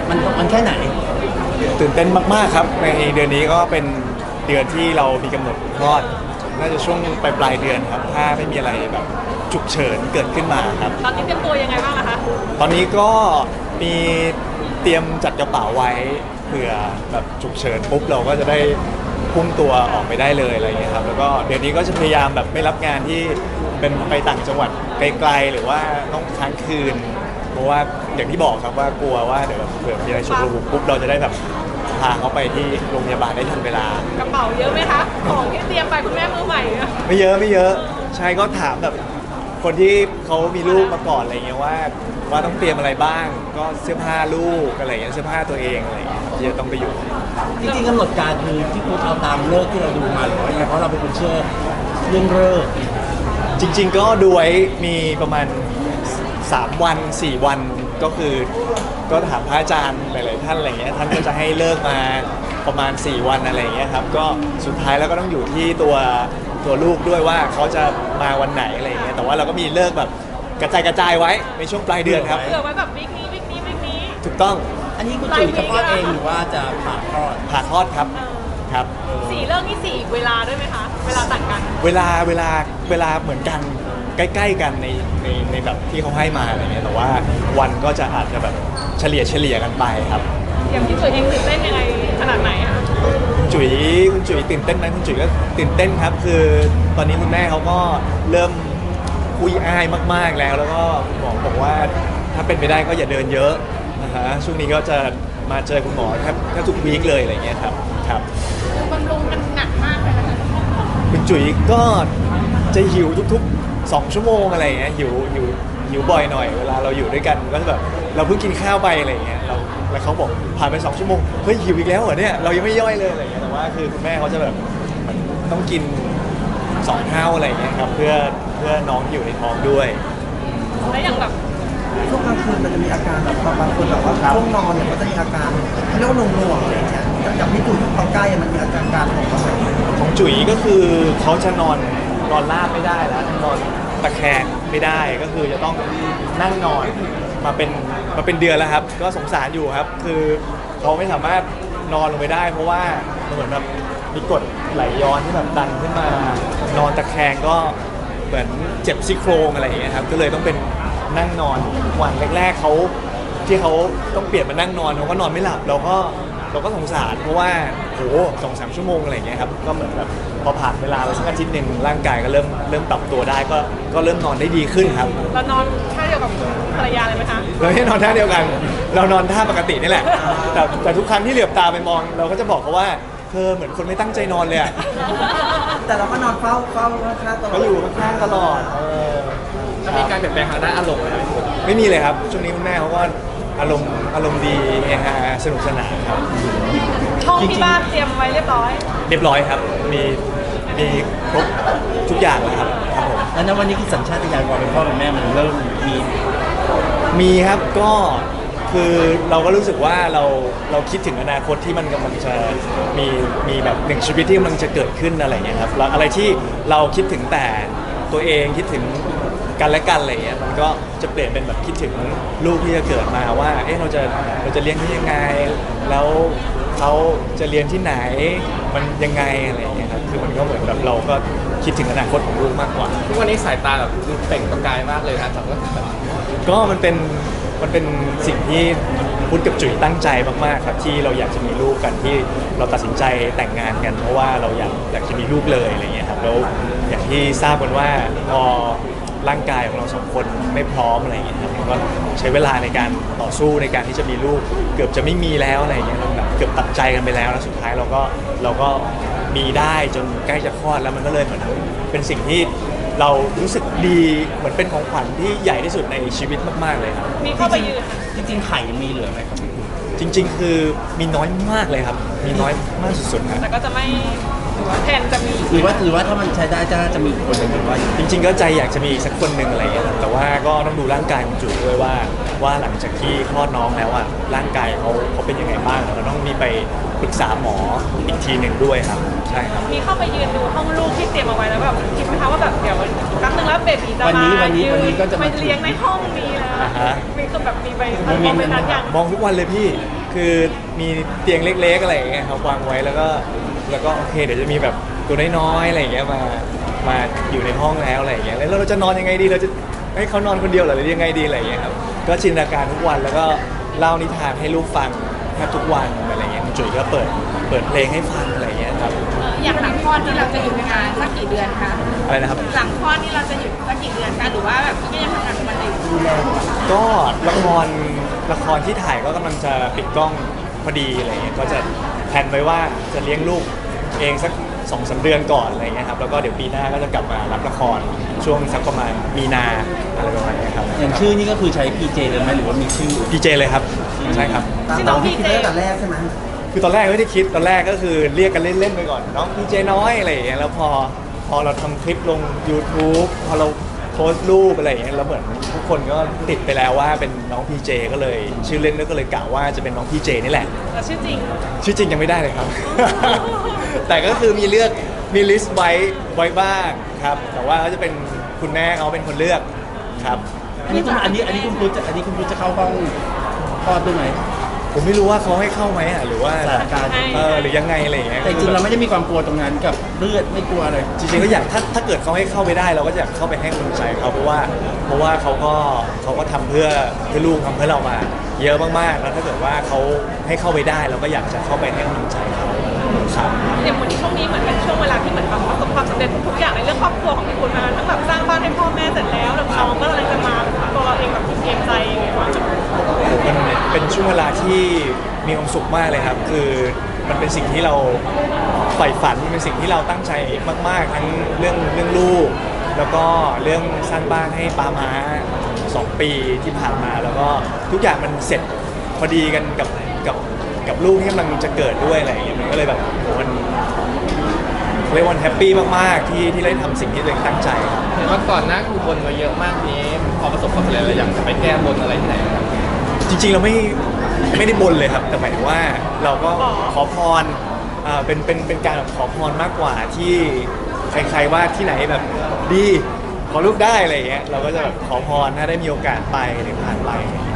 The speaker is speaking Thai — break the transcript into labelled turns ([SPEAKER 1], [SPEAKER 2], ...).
[SPEAKER 1] มันแค่ไหน
[SPEAKER 2] ตื่นเต้นมากๆครับในเดือนนี้ก็เป็นเดือนที่เรามีกำหนดคลอดน่าจะช่วงปลายเดือนครับถ้าไม่มีอะไรแบบฉุกเฉินเกิดขึ้นมาครับ
[SPEAKER 3] ตอนนี้เตรียมตัวยังไงบ้างอะคะ
[SPEAKER 2] ตอนนี้ก็มีเตรียมจัดกระเป๋าไว้เผื่อแบบฉุกเฉินปุ๊บเราก็จะได้พุ่งตัวออกไปได้เลยอะไรอย่างเงี้ยครับแล้วก็เดือนนี้ก็จะพยายามแบบไม่รับงานที่เป็นไปต่างจังหวัดไกลๆหรือว่าต้องค้างคืนเพราะว่าอย่างที่บอกครับว่ากลัวว่าเดี๋ยวเผื่อมีอะไรฉุกระหุกปุ๊บเราจะได้แบบพาเขาไปที่โรงพยาบาลได้ทันเวลาก
[SPEAKER 3] ระเป๋าเยอะไหมคะของที่เตรียมไปคุณแม่มือใหม่อะ
[SPEAKER 2] ไม่เยอะใช่ก็ถามแบบคนที่เขามีลูกมาก่อนอะไรเงี้ยว่าต้องเตรียมอะไรบ้างก็เสื้อผ้าลูกอะไรเงี้ยเสื้อผ้าตัวเองอะไรเงี้ยที่จะต้องไปอยู่
[SPEAKER 1] จริงๆกำหนดการคือที่คุณเอาตามเลิกที่เราดูมาหรือว่าไงเพราะเราเป็นคนเชื่อเรื่องเลิก
[SPEAKER 2] จริงๆก็ดูไว้มีประมาณ3 วัน 4 วันก็คือก็ถามพระอาจารย์หลายๆท่านอะไรเงี้ยท่านก็จะให้เลิกมาประมาณ4 วันอะไรเงี้ยครับก็สุดท้ายแล้วก็ต้องอยู่ที่ตัวลูกด้วยว่าเขาจะมาวันไหนอะไรเงี้ยแต่ว่าเราก็มีเลิกแบบกระจายไว้ในช่วงปลายเดือนครับ
[SPEAKER 3] เผื่อไว้แบบวิกนี้
[SPEAKER 2] ถูกต้อง
[SPEAKER 1] อันนี้คุณจุ๋ยจะคลอดเองหรือว่าจะผ่าคลอด
[SPEAKER 2] ครับครับ
[SPEAKER 3] 4เรื่องนี่4เวลาด้วยไหมคะเวลาต่างกัน
[SPEAKER 2] เวลาเหมือนกันใกล้ๆกันในแบบที่เขาให้มาอะไรเงี้ยแต่ว่าวันก็จะอาจจะแบบเฉลี่ยกันไปครับ
[SPEAKER 3] อย่างที่ตัวเองตื่นเต้นยังไงขนาดไหนอะ
[SPEAKER 2] คุณจุ๋ยตื่นเต้นไหมคุณจุ๋ยก็ตื่นเต้นครับคือตอนนี้คุณแม่เขาก็เริ่มคุยอ้ายมากๆแล้วก็คุณหมอบอกว่าถ้าเป็นไปได้ก็อย่าเดินเยอะนะฮะช่วงนี้ก็จะมาเจอคุณหมอแทบทุกวีคเลยอะไรเงี้ยครับ
[SPEAKER 3] บำรุงกันหนักมากเลยนะคะ
[SPEAKER 2] คุณจุ๋ยก็จะหิวทุกๆ2 ชั่วโมงอะไรเงี้ยหิวบ่อยหน่อยเวลาเราอยู่ด้วยกันก็แบบเราเพิ่งกินข้าวไปอะไรเงี้ยแล้วเขาบอกผ่านไป2 ชั่วโมงเฮ้ยหิวอีกแล้วเหรอเนี่ยเรายังไม่ย่อยเลยอะไรเงี้ยแต่ว่าคือคุณแม่เขาจะแบบต้องกิน2 เท่าอะไรเงี้ยครับเพื่อน้องที่อยู่ในท้องด้วย
[SPEAKER 3] แล้วอย่างแบบ
[SPEAKER 4] ช่วงกลางคืนมันจะมีอาการแบบบางคนแบบว่าช่วงนอนเนี่ยมันจะมีอาการเขาเรียกว่าหน่วงอะไรอย่างเงี้ยจากที่จุ๋ยเขาใกล้มันมีอาการ
[SPEAKER 2] ของจุ๋ยก็คือเขาจะนอนราบไม่ได้แล้วนอนตะแคงไม่ได้ก็คือจะต้องนั่งนอนมาเป็นเดือนแล้วครับก็สงสารอยู่ครับคือเขาไม่สามารถนอนลงไปได้เพราะว่าเหมือนแบบมีกรดไหลย้อนที่แบบดันขึ้นมานอนตะแคงก็เหมือนเจ็บซี่โครงอะไรอย่างเงี้ยครับก็เลยต้องเป็นนั่งนอนวันแรกๆเขาที่เขาต้องเปลี่ยนมานั่งนอนเขาก็นอนไม่หลับเราก็สงสารเพราะว่าโห2-3 ชั่วโมงอะไรอย่างเงี้ยครับก็เหมือนแบบพอผ่านเวลาไปสักอาทิตย์หนึ่งร่างกายก็เริ่มปรับตัวได้ก็เริ่มนอนได้ดีขึ้นครับ
[SPEAKER 3] เรานอนท่าเดียวกับภรรยาเลยไหมคะ
[SPEAKER 2] เราไม่นอนท่าเดียวกันเรานอนท่าปกตินี่แหละแต่ทุกครั้งที่เหลือบตาไปมองเราก็จะบอกเขาว่าเธอเหมือนคนไม่ตั้งใจนอนเลยอะ
[SPEAKER 4] แต่เราก็นอนเฝ้าข้างตลอด
[SPEAKER 2] ก็อยู่ข้างตลอด
[SPEAKER 1] มีการเปลี่ยนแปลงทางด้านอารมณ์ไหม
[SPEAKER 2] ไม่มีเลยครับช่วงนี้คุณแม่เขาก็อารมณ์ดีเฮฮาสนุกสนานครับ
[SPEAKER 3] ห้องที่บ้านเตรียมไว้เรียบร้อย
[SPEAKER 2] ครับมีครบทุกอย่างแล้วครับผม
[SPEAKER 1] แล้วในวันนี้คือสัญชาตญาณความเป็นพ่อเป็นแม่มันเริ่ม
[SPEAKER 2] มีครับก็คือเราก็รู้สึกว่าเราคิดถึงอนาคตที่มันกำลังจะมีแบบหนึ่งชีวิตที่กำลังจะเกิดขึ้นอะไรอย่างเงี้ยครับแล้วอะไรที่เราคิดถึงแต่ตัวเองคิดถึงกันและกันอะไรเงี้ยมันก็จะเปลี่ยนเป็นแบบคิดถึงลูกที่จะเกิดมาว่าเอ๊ะเราจะเลี้ยงที่ยังไงแล้วเขาจะเรียนที่ไหนมันยังไงอะไรอย่างเงี้ยครับคือมันก็เหมือนแบบเราก็คิดถึงอนาคตของลูกมากกว่า
[SPEAKER 1] ทุกวันนี้สายตาแบบดูเปล่งประกายมากเลยนะจาก
[SPEAKER 2] ก็มันเป็นสิ่งที่พุทธกับจุ๋ยตั้งใจมากๆครับที่เราอยากจะมีลูกกันที่เราตัดสินใจแต่งงานกันเพราะว่าเราอยากจะมีลูกเลยอะไรเงี้ยครับแล้วอย่างที่ทราบกันว่าพอร่างกายของเรา2 คนไม่พร้อมอะไรอย่างเงี้ยครับก็ใช้เวลาในการต่อสู้ในการที่จะมีลูกเกือบจะไม่มีแล้วอะไรอย่างเงี้ยเราแบบเกือบตัดใจกันไปแล้วแล้วสุดท้ายเราก็มีได้จนใกล้จะคลอดแล้วมันก็เลยเหมือนเป็นสิ่งที่เรารู้สึกดีเหมือนเป็นของขวัญที่ใหญ่ที่สุดในชีวิตมากๆเลยครับ
[SPEAKER 3] มีเข้าไปยืน
[SPEAKER 1] จริงๆไข่ยังมีเหลือไหมครับ
[SPEAKER 2] จริงๆคือมีน้อยมากเลยครับมีน้อยมากสุดๆครับ
[SPEAKER 3] แต่ก็จะไม่แทนจะมี
[SPEAKER 1] หรือว่าถ้ามันใช้ได้จะมีคนหนึ่งหรือว่า
[SPEAKER 2] จริงๆก็ใจอยากจะมีอีกสักคนหนึ่งอะไรอย่างเงี้ยแต่ว่าก็ต้องดูร่างกายของจุ๋ยด้วยว่าหลังจากที่คลอดน้องแล้วอ่ะร่างกายเขาเป็นยังไงบ้างเราต้องมีไปปรึกษาหมออีกทีหนึ่งด้วยครับใช่ครับ
[SPEAKER 3] มีเข้าไปยืนดูห้องลูกที่เตรียมเอาไว้แล้วแบบคิดไหมคะว่าแบบเดี๋ยวแป๊บนึงแล้วเบบีจะมา
[SPEAKER 1] วันนี้ก็จะ
[SPEAKER 3] มาเลี้ยงในห้องนี้แล้วมีคนแบบมีไปมองไปนั้นอย่าง
[SPEAKER 2] มองทุกวันเลยพี่คือมีเตียงเล็กๆอะไรอย่างเงี้ยครับวางไว้แล้วก็โอเคเดี๋ยวจะมีแบบตัวน้อยๆอะไรอย่างเงี้ยมาอยู่ในห้องแล้วอะไรอย่างเงี้ยแล้วเราจะนอนยังไงดีเราจะให้เขานอนคนเดียวเหรอหรือยังไงดีอะไรอย่างเงี้ยครับก็จินตนาการทุกวันแล้วก็เล่านิทานให้ลูกฟังแทบทุกวันอะไรเงี้ยคุณจุ๋ยก็เปิดเพลงให้ฟังอะไรอย่างเงี้ยครับ
[SPEAKER 3] อย่างหลังคลอดนี่เราจะหยุดงานสักกี่เดือนคะ
[SPEAKER 2] อะไรนะครับ
[SPEAKER 3] หลังคลอดนี่เราจะหยุดสักกี่เดือนคะหรือว่าแบบก็ยังทำงานของมันอยู่
[SPEAKER 2] ก็ละครที่ถ่ายก็กำลังจะปิดกล้องพอดีอะไรเงี้ยก็จะแพลนไว้ว่าจะเลี้ยงลูกเองสัก2-3 เดือนก่อนอะไรเงี้ยครับแล้วก็เดี๋ยวปีหน้าก็จะกลับมารับละครช่วงสักประมาณมีนาอะไรประมาณเนี้ยครับ
[SPEAKER 1] อย่างชื่อนี่ก็คือใช้ PJ เลยไหมหรือว่ามีชื่อ
[SPEAKER 2] พีเจเลยครับใช่ครับ
[SPEAKER 4] ตามที่คิดตั้งแต่แรกใช่ไหม
[SPEAKER 2] คือตอนแรกไม่ได้คิดตอนแรกก็คือเรียกกันเล่นๆไปก่อนน้องพีเจน้อยอะไรอย่างเงี้ยแล้วพอเราทำคลิปลง YouTube พอเราโพสต์รูปอะไรอย่างเงี้ยแล้วเหมือนทุกคนก็ติดไปแล้วว่าเป็นน้องพีเจก็เลยชื่อเล่นก็เลยกล่าวว่าจะเป็นน้องพีเจนี่แหละ
[SPEAKER 3] แต่ชื่อจริง
[SPEAKER 2] ชื่อจริงยังไม่ได้เลยครับ แต่ก็คือมีลิสต์ไว้บ้างครับ แต่ว่าก็จะเป็นคุณแม่เขาเป็นคนเลือกครับ
[SPEAKER 1] อันนี้คุณพุทธจะเข้าห้องคลอดด้วยไหม
[SPEAKER 2] ผมไม่รู้ว่าเขาให้เข้าไหมอ่ะหรือว่า
[SPEAKER 1] สถานการณ์
[SPEAKER 2] หรือยังไงอะไรอย่างเงี้ย
[SPEAKER 1] แต่จริงๆเราไม่ได้มีความกลัวตรงนั้นกับเลือดไม่กลัวเลย
[SPEAKER 2] จริงๆก็อยากถ้าเกิดเขาให้เข้าไปได้เราก็อยากเข้าไปให้กำลังใจเขาเพราะว่าเขาก็ทำเพื่อลูกทำเพื่อเรามา เยอะมากๆแล้วถ้าเกิดว่าเขาให้เข้าไปได้เราก็อยากจะเข้าไปให้กำลังใจเขาครับ
[SPEAKER 3] อย่างวันนี้ช่วงนี้เหมือนเป็นช่วงเวลาที่เหมือนแบบประสบความสำเร็จทุกอย่างในเรื่องครอบครัวของพี่คุณมาทั้งแบบสร้างบ้านให้พ่อแม่เสร็จแล้วแล้วน้องก็เลยจะมาตัวเราเองแบบเกรงใจยังไงบ้าง
[SPEAKER 2] มันเป็นช่วงเวลาที่มีความสุขมากเลยครับ คือมันเป็นสิ่งที่เราใฝ่ฝันมันเป็นสิ่งที่เราตั้งใจมากๆทั้งเรื่องลูก แล้วก็เรื่องสร้างบ้านให้ป้าม้า2 ปีที่ผ่านมา แล้วก็ทุกอย่างมันเสร็จพอดีกันกับลูกที่กำลังจะเกิดด้วยอะไรอย่างเงี้ยมันก็เลยแบบโหมันเรียกว่าแฮปปี้มากๆที่ได้ทำสิ่งที่ตัวเองตั้งใจครับ
[SPEAKER 5] เห็นว่าก่อนหน้าคือบนมาเยอะมากนี้พอประสบความสำเร็จเราอยากจะไปแก้บนอะไรที่ไหนครับ
[SPEAKER 2] จริงๆเราไม่ได้บนเลยครับ แต่หมายถึงว่าเราก็ขอพรเป็นการแบบขอพรมากกว่าที่ใครๆว่าที่ไหนแบบดีขอลูกได้อะไรอย่างเงี้ยเราก็จะแบบขอพรถ้าได้มีโอกาสไปหรือผ่านไป